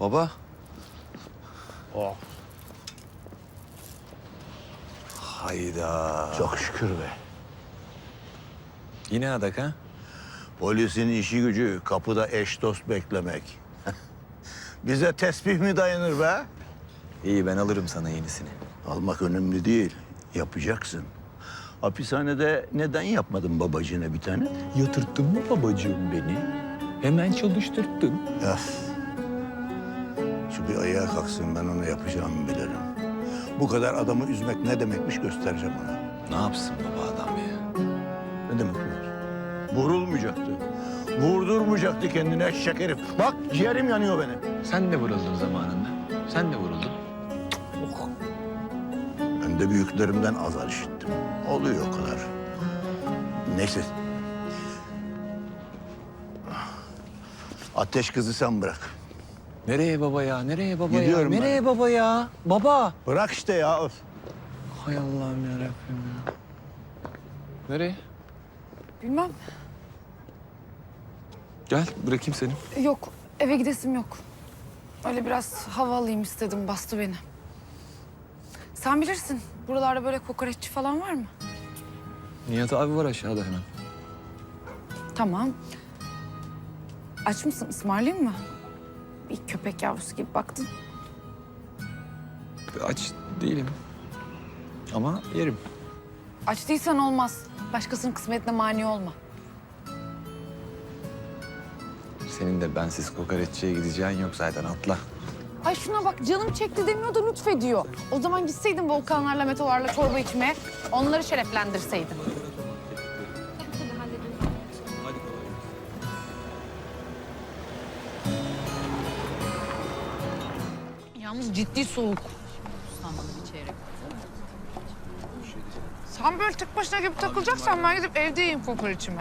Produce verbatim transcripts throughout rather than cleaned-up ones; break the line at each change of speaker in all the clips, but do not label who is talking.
Baba.
Oh.
Hayda.
Çok şükür be.
Yine adak ha?
Polisin işi gücü kapıda eş dost beklemek. Bize tesbih mi dayanır be?
İyi ben alırım sana yenisini.
Almak önemli değil. Yapacaksın. Hapishanede neden yapmadın babacığına bir tane?
Yatırttın mı babacığım beni? Hemen çalıştırttın.
Ya. Şu bir ayağa kalksın, ben ona yapacağımı bilirim. Bu kadar adamı üzmek ne demekmiş göstereceğim ona.
Ne yapsın baba adam ya?
Ne demek bu? Vurulmayacaktı. Vurdurmayacaktı kendine eşek herif. Bak ciğerim yanıyor benim.
Sen de vuruldun zamanında. Sen de vuruldun.
Oh. Ben de büyüklerimden azar işittim. Oluyor o kadar. Neyse. Ateş kızı sen bırak.
Nereye baba ya? Nereye baba
Gidiyorum
ya?
ben.
Nereye baba ya? Baba.
Bırak işte ya. Öf.
Hay Allah'ım yarabbim ya. Nereye?
Bilmem.
Gel bırakayım seni.
Yok, eve gidesim yok. Öyle biraz hava alayım istedim, bastı beni. Sen bilirsin, buralarda böyle kokoreççi falan var mı?
Nihat abi var aşağıda hemen.
Tamam. Aç mısın, ısmarlayayım mı? Bir köpek yavrusu gibi baktın.
Aç değilim. Ama yerim.
Aç değilsen olmaz. Başkasının kısmetine mani olma.
Senin de bensiz kokoreççiye gideceğin yok zaten atla.
Ay şuna bak, canım çekti demiyor da lütfediyor. O zaman gitseydin volkanlarla, meteorlarla çorba içmeye, onları şereflendirseydin. Yalnız ciddi soğuk. Sen böyle tek başına gibi takılacaksan ben gidip evde yiyeyim kokoreçimi.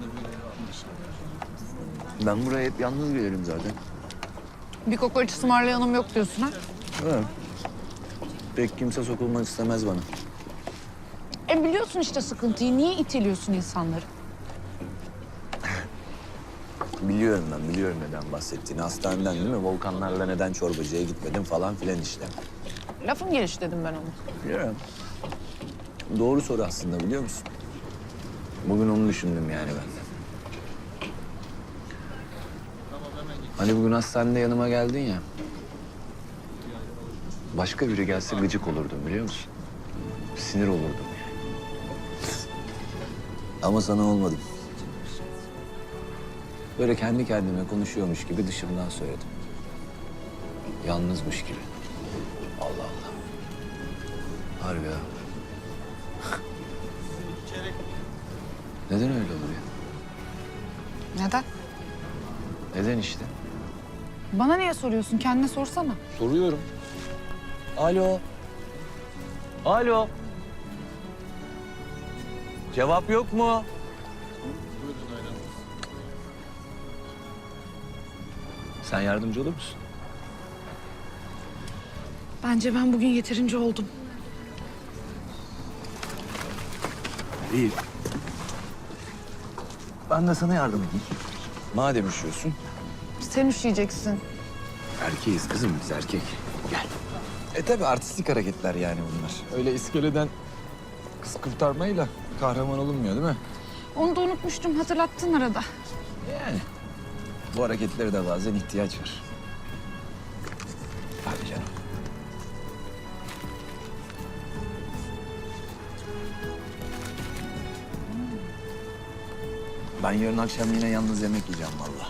Ben buraya hep yalnız gelirim zaten.
Bir kokoreç ısmarlayanım yok diyorsun ha?
Evet. Pek kimse sokulmak istemez bana.
E biliyorsun işte sıkıntıyı. Niye iteliyorsun insanları?
Biliyorum ben, biliyorum neden bahsettiğini. Hastaneden değil mi? Volkanlarla neden çorbacıya gitmedim falan filan işte.
Lafın gelişi dedim ben onu.
Biliyorum. Doğru soru aslında biliyor musun? Bugün onu düşündüm yani ben de. Hani bugün hastanede yanıma geldin ya. Başka biri gelse gıcık olurdum biliyor musun? Sinir olurdum yani. Ama sana olmadım. Böyle kendi kendime konuşuyormuş gibi dışımdan söyledim. Yalnızmış gibi. Allah Allah. Harbi ya. Neden öyle olur ya?
Neden?
Neden işte?
Bana niye soruyorsun? Kendine sorsana.
Soruyorum. Alo. Alo. Cevap yok mu? Sen yardımcı olur musun?
Bence ben bugün yeterince oldum.
İyi. Ben de sana yardım edeyim. Madem üşüyorsun.
Sen üşüyeceksin.
Erkeğiz kızım biz erkek. Gel. E tabi artistik hareketler yani bunlar. Öyle iskeleden kız kurtarmayla kahraman olunmuyor değil mi?
Onu da unutmuştum. Hatırlattın arada.
Yani. Bu hareketlere de bazen ihtiyaç var. Hadi canım. Ben yarın akşam yine yalnız yemek yiyeceğim vallahi.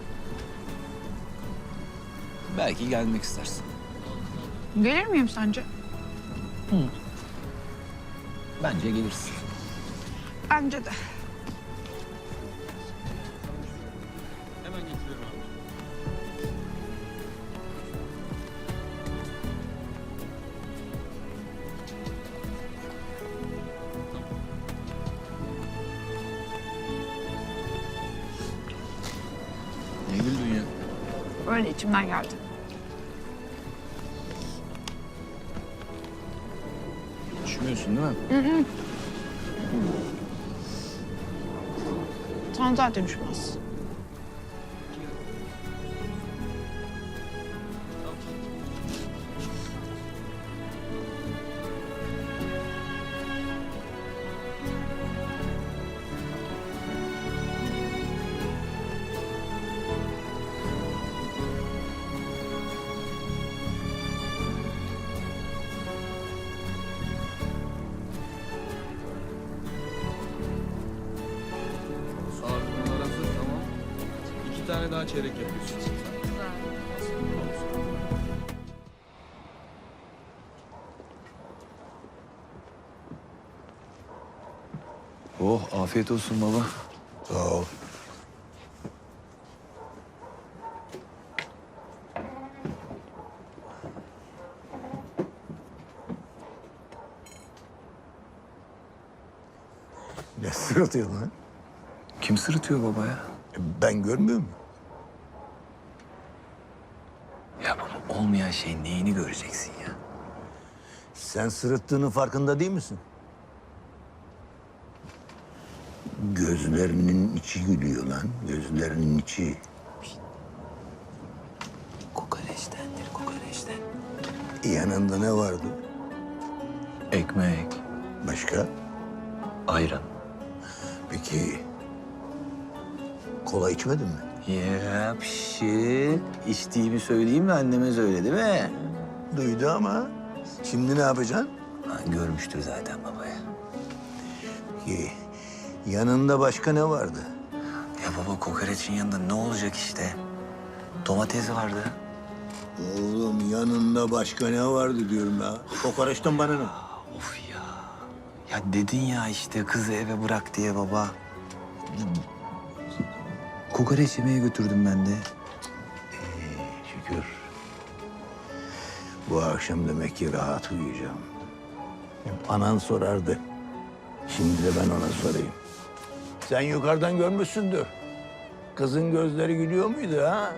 Belki gelmek istersin.
Gelir miyim sence?
Bence gelirsin.
Bence de.
Ne güldün ya?
Öyle içimden geldi.
Üşümüyorsun değil mi?
Sen zaten üşümez.
tane çeyrek yapıyorsun sen. Oh, afiyet olsun baba.
Sağ ol. Ne sırıtıyor lan?
Kim sırıtıyor baba ya?
E, Ben görmüyor muyum?
Ya baba, olmayan şeyin neyini göreceksin ya?
Sen sırıttığının farkında değil misin? Gözlerinin içi gülüyor lan. Gözlerinin içi.
Kokoreçtendir, kokoreçten.
Yanında ne vardı?
Ekmek,
Başka?
ayran.
Peki kola içmedin mi?
Ya pişi. İçtiğimi söyleyeyim mi? Anneme söyle değil mi?
Duydu ama şimdi ne yapacaksın?
Ha, görmüştür zaten babaya.
Peki yanında başka ne vardı?
Ya baba, kokoreçin yanında ne olacak işte? Domates vardı.
Oğlum yanında başka ne vardı diyorum ya. Kokoreçten bana ne?
Of ya. Ya dedin ya işte kızı eve bırak diye baba. Kokoreç yemeye götürdüm ben de.
Şükür. Bu akşam demek ki rahat uyuyacağım. Hep anan sorardı. Şimdi de ben ona sorayım. Sen yukarıdan görmüşsündür. Kızın gözleri gülüyor muydu ha?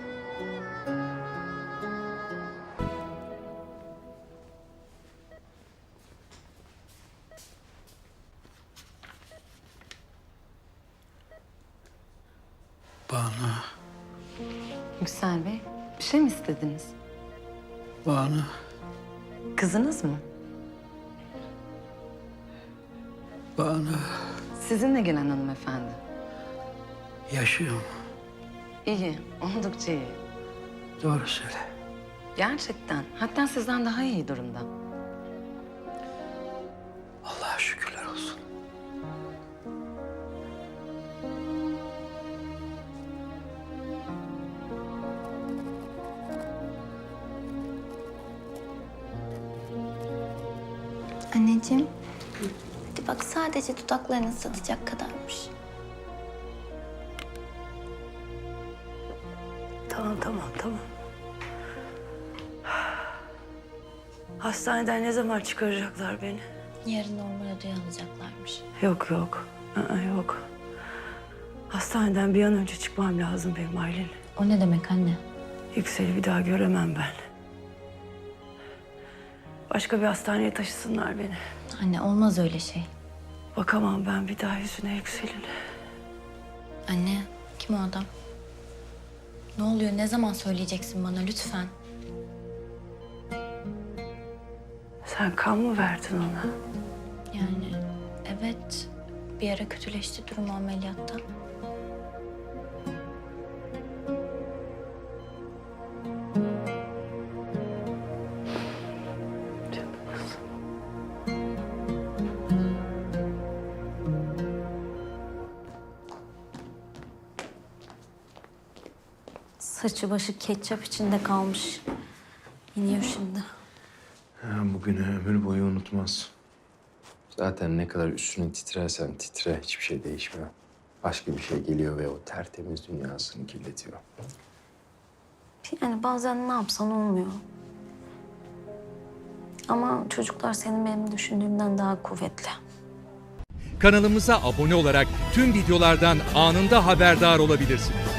Banu,
Yüksel Bey, bir şey mi istediniz?
Banu.
Kızınız mı?
Banu
Sizinle gelen hanımefendi.
yaşıyor mu?
İyi, oldukça iyi.
Doğru söyle.
Gerçekten, hatta sizden daha iyi durumda.
Allah'a şükürler olsun.
Anneciğim, hadi bak sadece dudaklarını ıslatacak kadarmış.
Tamam, tamam, tamam. Hastaneden ne zaman çıkaracaklar beni?
Yarın normal odaya alacaklarmış.
Yok, yok. Aa, yok. Hastaneden bir an önce çıkmam lazım benim Aylin.
O ne demek anne?
Yüksel'i bir daha göremem ben. Başka bir hastaneye taşısınlar beni.
Anne olmaz öyle şey.
Bakamam ben bir daha yüzüne Yüksel'in.
Anne, kim o adam? Ne oluyor? Ne zaman söyleyeceksin bana lütfen?
Sen kan mı verdin ona?
Yani evet, bir ara kötüleşti durumu ameliyatta.
Canım kızım.
Saçı başı ketçap içinde kalmış. İniyor şimdi.
Bugünü ömür boyu unutmaz. Zaten ne kadar üstüne titrersen titre hiçbir şey değişmiyor. Başka bir şey geliyor ve o tertemiz dünyasını kirletiyor.
Yani bazen ne yapsan olmuyor. Ama çocuklar senin benim düşündüğümden daha kuvvetli.
Kanalımıza abone olarak tüm videolardan anında haberdar olabilirsiniz.